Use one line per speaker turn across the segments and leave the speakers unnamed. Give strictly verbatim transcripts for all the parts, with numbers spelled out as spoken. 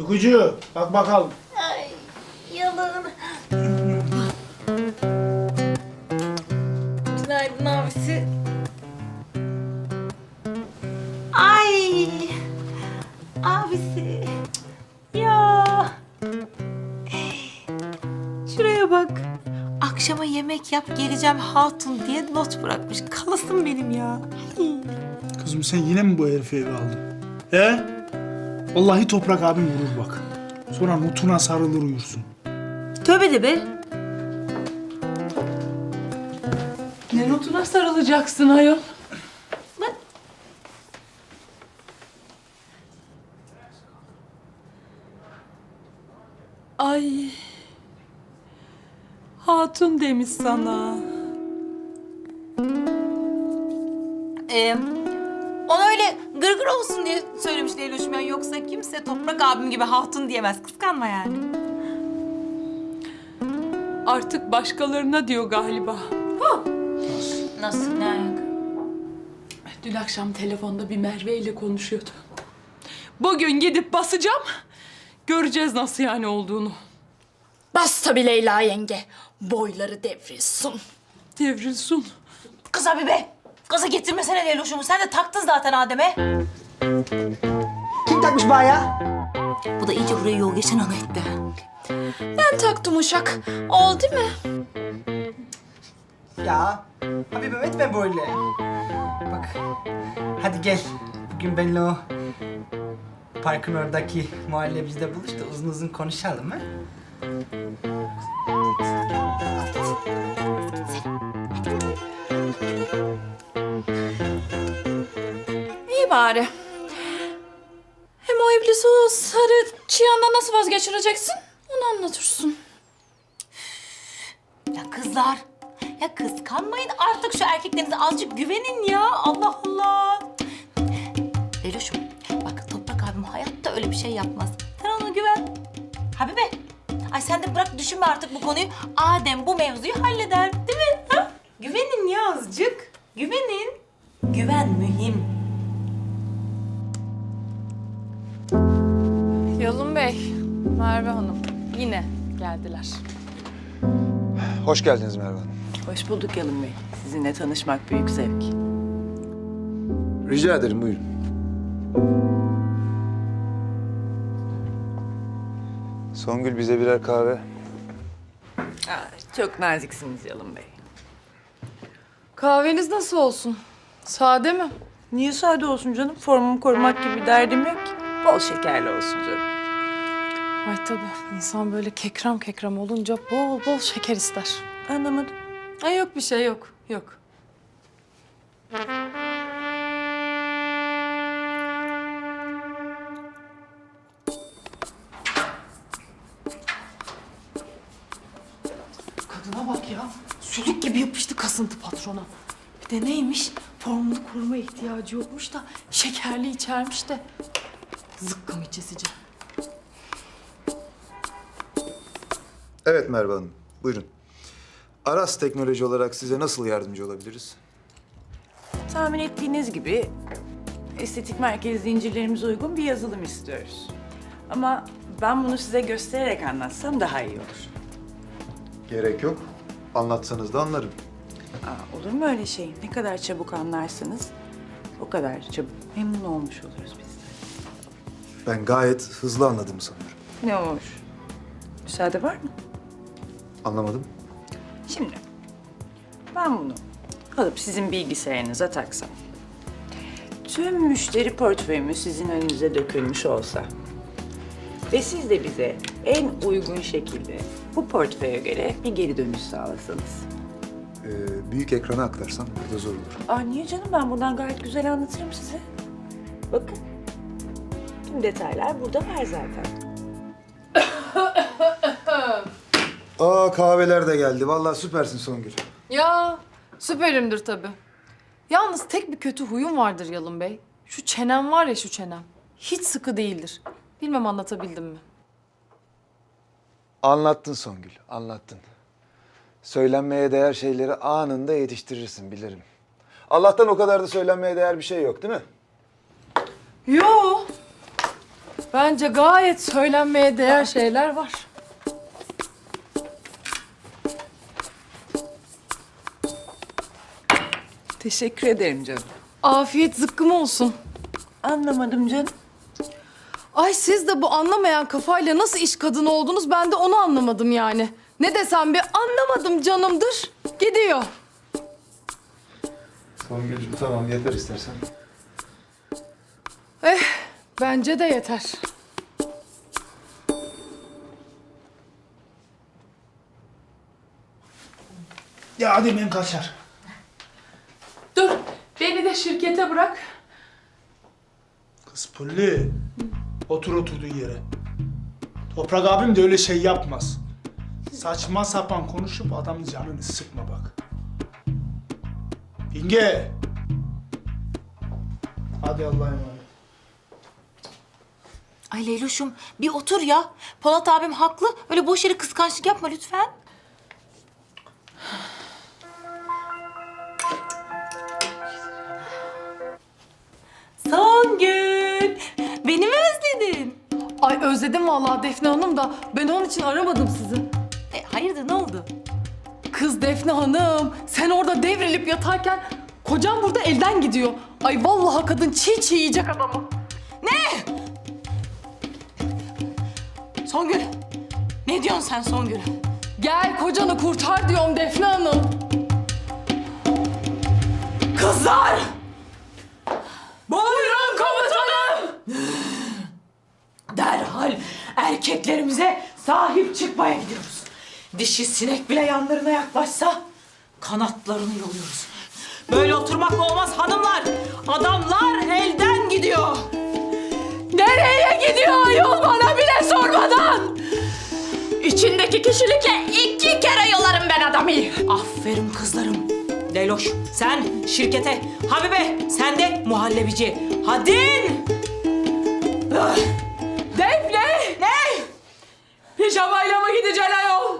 Uykucu, bak bakalım.
Ay yalın. Günaydın abisi. Ay abisi. Ya. Şuraya bak. Akşama yemek yap geleceğim hatun diye not bırakmış. Kalasın benim ya.
Kızım sen yine mi bu herifi eve aldın? He? Vallahi Toprak abim vurur bak. Sonra nutuna sarılır uyursun.
Tövbe de be.
Ne notuna sarılacaksın ayol?
Bak.
Ay. Hatun demiş sana.
Ee, ona öyle gırgır olsun diye söylemiş Leyloş'um ya. Yoksa kimse Toprak abim gibi hatun diyemez. Kıskanma yani.
Artık başkalarına diyor galiba.
Nasıl? Ne ayak?
Dün akşam telefonda bir Merve ile konuşuyordu. Bugün gidip basacağım. Göreceğiz nasıl yani olduğunu.
Bas tabii Leyla yenge. Boyları devrilsin.
Devrilsin.
Kız abi be. Gaza getirmesene Leyloş'umu. Sen de taktın zaten Adem'e.
Kim takmış bana ya?
Bu da iyice buraya yol geçen ana etti.
Ben taktım uşak. Oldu mu?
Ya Habibim etme böyle. Bak hadi gel. Bugün benimle o parkın oradaki muhallebicide buluş da uzun uzun konuşalım ha?
İyi bari. Hem o iblisi o sarı çıyandan nasıl vazgeçireceksin? Onu anlatırsın.
Ya kızlar. Ya kıskanmayın artık şu erkeklerinize azıcık güvenin ya. Allah Allah. Leyloş'um bak Toprak abim hayatta öyle bir şey yapmaz. Sen ona güven. Habibe. Ay sen de bırak düşünme artık bu konuyu. Adem bu mevzuyu halleder. Değil mi? Ha? Güvenin ya azıcık. Güvenin. Güven mühim.
Yalın Bey, Merve Hanım yine geldiler.
Hoş geldiniz Merve Hanım.
Hoş bulduk Yalın Bey. Sizinle tanışmak büyük zevk.
Rica ederim, buyurun. Songül bize birer kahve.
Aa, çok naziksiniz Yalın Bey.
Kahveniz nasıl olsun? Sade mi?
Niye sade olsun canım? Formumu korumak gibi bir derdim yok ki. Bol şekerli olsun canım.
Ay tabii insan böyle kekrem kekrem olunca bol bol şeker ister.
Anlamadım.
Ay yok bir şey yok, yok. Kadına bak ya. Sülük gibi yapıştı kasıntı patrona. Bir de neymiş? Formunu koruma ihtiyacı yokmuş da şekerli içermiş de. Zıkkım içesici.
Evet Merve Hanım, buyurun. Aras Teknoloji olarak size nasıl yardımcı olabiliriz?
Tahmin ettiğiniz gibi estetik merkez zincirlerimize uygun bir yazılım istiyoruz. Ama ben bunu size göstererek anlatsam daha iyi olur.
Gerek yok. Anlatsanız da anlarım.
Aa, olur mu öyle şey? Ne kadar çabuk anlarsanız o kadar çabuk memnun olmuş oluruz biz de.
Ben gayet hızlı anladım sanıyorum.
Ne olur? Müsaade var mı?
Anlamadım.
Şimdi ben bunu alıp sizin bilgisayarınıza taksam. Tüm müşteri portföyümü sizin önünüze dökülmüş olsa ve siz de bize en uygun şekilde bu portföye göre bir geri dönüş sağlasanız.
Ee, büyük ekrana aktarsan burada zor olur.
Aa niye canım? Ben buradan gayet güzel anlatırım size. Bakın. Tüm detaylar burada var zaten.
Aa kahveler de geldi. Vallahi süpersin Songül.
Ya süperimdir tabii. Yalnız tek bir kötü huyum vardır Yalın Bey. Şu çenem var ya şu çenem. Hiç sıkı değildir. Bilmem anlatabildim mi?
Anlattın Songül, anlattın. Söylenmeye değer şeyleri anında yetiştirirsin, bilirim. Allah'tan o kadar da söylenmeye değer bir şey yok, değil mi?
Yo. Bence gayet söylenmeye değer şeyler var.
Teşekkür ederim canım.
Afiyet zıkkım olsun.
Anlamadım canım.
Ay siz de bu anlamayan kafayla nasıl iş kadını oldunuz ben de onu anlamadım yani. Ne desem bir anlamadım canımdır. Gidiyor.
Songül'cüm tamam yeter istersen.
Eh bence de yeter.
Ya hadi ben kaçar.
Dur beni de şirkete bırak.
Kız Pulli. Otur oturduğun yere. Toprak abim de öyle şey yapmaz. Saçma sapan konuşup adamın canını sıkma bak. Binge. Hadi Allah'a emanet.
Ay Leyloş'um bir otur ya. Polat abim haklı. Öyle boş yere kıskançlık yapma lütfen. Songül. Beni mi özledin?
Ay özledim vallahi Defne Hanım da ben onun için aramadım sizi.
E, hayırdır ne oldu?
Kız Defne Hanım sen orada devrilip yatarken kocam burada elden gidiyor. Ay vallahi kadın çiğ çiğ yiyecek adamı.
Songül. Ne diyorsun sen Songül?
Gel kocanı kurtar diyorum Defne Hanım.
Kızlar!
Buyurun komutanım.
Derhal erkeklerimize sahip çıkmaya gidiyoruz. Dişi sinek bile yanlarına yaklaşsa kanatlarını yoluyoruz. Böyle oturmakla olmaz hanımlar. Adamlar elden gidiyor.
Nereye gidiyor ayol bana bile sormadan?
İçindeki kişilikle iki kere yolarım ben adamı. Aferin kızlarım. Leyloş sen şirkete, Habibe sen de muhallebici. Hadi. Ah.
Defne!
Ne?
Pijamayla mı gideceksin ayol?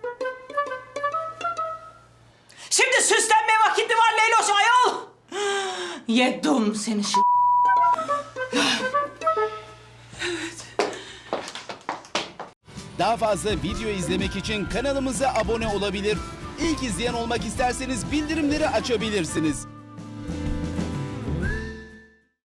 Şimdi süslenme vakiti var Leyloş ayol. Yedim seni şu...
Daha fazla video izlemek için kanalımıza abone olabilir. İlk izleyen olmak isterseniz bildirimleri açabilirsiniz.